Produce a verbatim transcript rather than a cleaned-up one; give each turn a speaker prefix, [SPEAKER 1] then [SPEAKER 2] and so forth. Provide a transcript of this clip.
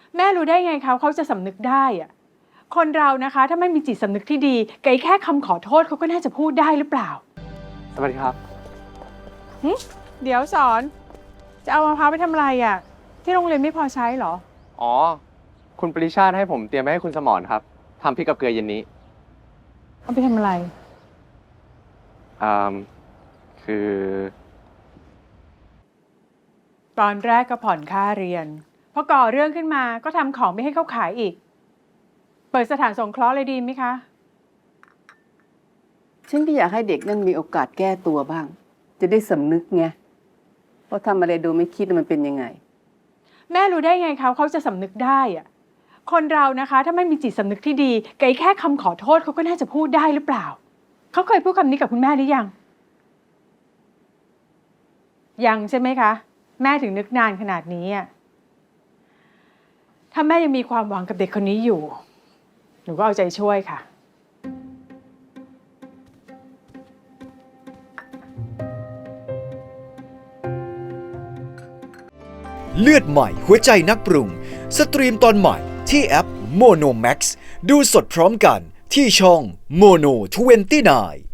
[SPEAKER 1] แม่รู้ได้ไงเขาเขาจะสำนึกได้อะคนเรานะคะถ้าไม่มีจิตสำนึกที่ดีไกแค่คำขอโทษเขาก็น่าจะพูดได้หรือเปล่า
[SPEAKER 2] สวัสดีครับ
[SPEAKER 1] หึเดี๋ยวสอน จะเอามะพร้าวไปทำอะไรอ่ะ ที่โรงเรียนไม่พอใช้เหรอ
[SPEAKER 2] อ๋อ คุณปริชาติให้ผมเตรียมไว้ให้คุณสมรครับทำพริกกับเกลือเย็นนี้
[SPEAKER 1] เอาไปทำอะไร
[SPEAKER 2] อ่าคือ
[SPEAKER 1] ตอนแรกก็ผ่อนค่าเรียนพอก่อเรื่องขึ้นมาก็ทำของไม่ให้เขาขายอีก เปิดสถานสงเคราะห์เลยดีไหมคะ
[SPEAKER 3] ฉันก็อยากให้เด็กนั่นมีโอกาสแก้ตัวบ้าง จะได้สำนึกไงเพราะทำอะไรโดยไม่คิดมันเป็นยังไง
[SPEAKER 1] แม่รู้ได้ไงเขาเขาจะสำนึกได้อะคนเรานะคะถ้าไม่มีจิตสำนึกที่ดีไกแค่คำขอโทษเขาก็น่าจะพูดได้หรือเปล่า เขาเคยพูดคำนี้กับคุณแม่หรือยัง ยังใช่ไหมคะ แม่ถึงนึกนานขนาดนี้อ่ะถ้าแม่ยังมีความหวังกับเด็กคนนี้อยู่ หนูก็เอาใจช่วยค่ะ
[SPEAKER 4] เลือดใหม่หัวใจนักปรุง สตรีมตอนใหม่ที่แอป Mono Max ดูสดพร้อมกันที่ช่อง Mono ยี่สิบเก้า